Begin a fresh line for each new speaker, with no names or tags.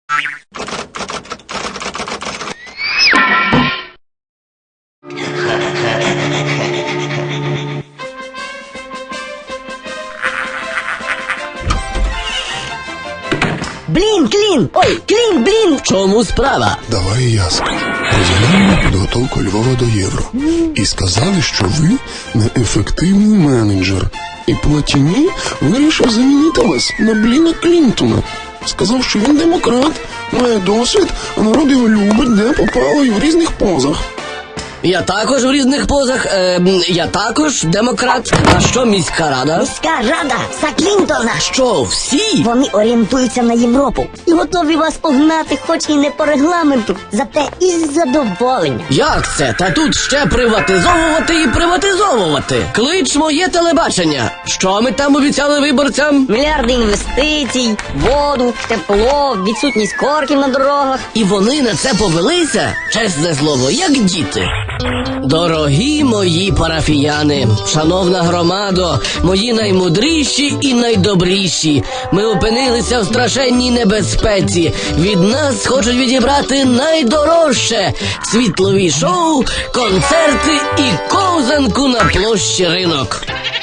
Блін, Клін! Ой, Клін, блін!
В чому справа?
Давай я скажу. Розглянули підготовку Львова до Євро. І сказали, що ви неефективний менеджер. І Платіні вирішив замінити вас на Бліна Клінтона. Сказав, що він демократ, має досвід, а народ його любить, де попало і в різних позах.
Я також в різних позах, я також демократ. А що міська рада?
Міська рада за Клінтона!
Що, всі?
Вони орієнтуються на Європу і готові вас погнати, хоч і не по регламенту, зате із задоволенням.
Як це? Та тут ще приватизовувати і приватизовувати. Клич моє телебачення. Що ми там обіцяли виборцям?
Мільярди інвестицій, воду, тепло, відсутність корків на дорогах.
І вони на це повелися, чесне слово, як діти. Дорогі мої парафіяни, шановна громадо, мої наймудріші і найдобріші, ми опинилися в страшенній небезпеці. Від нас хочуть відібрати найдорожче – світлові шоу, концерти і ковзанку на площі Ринок.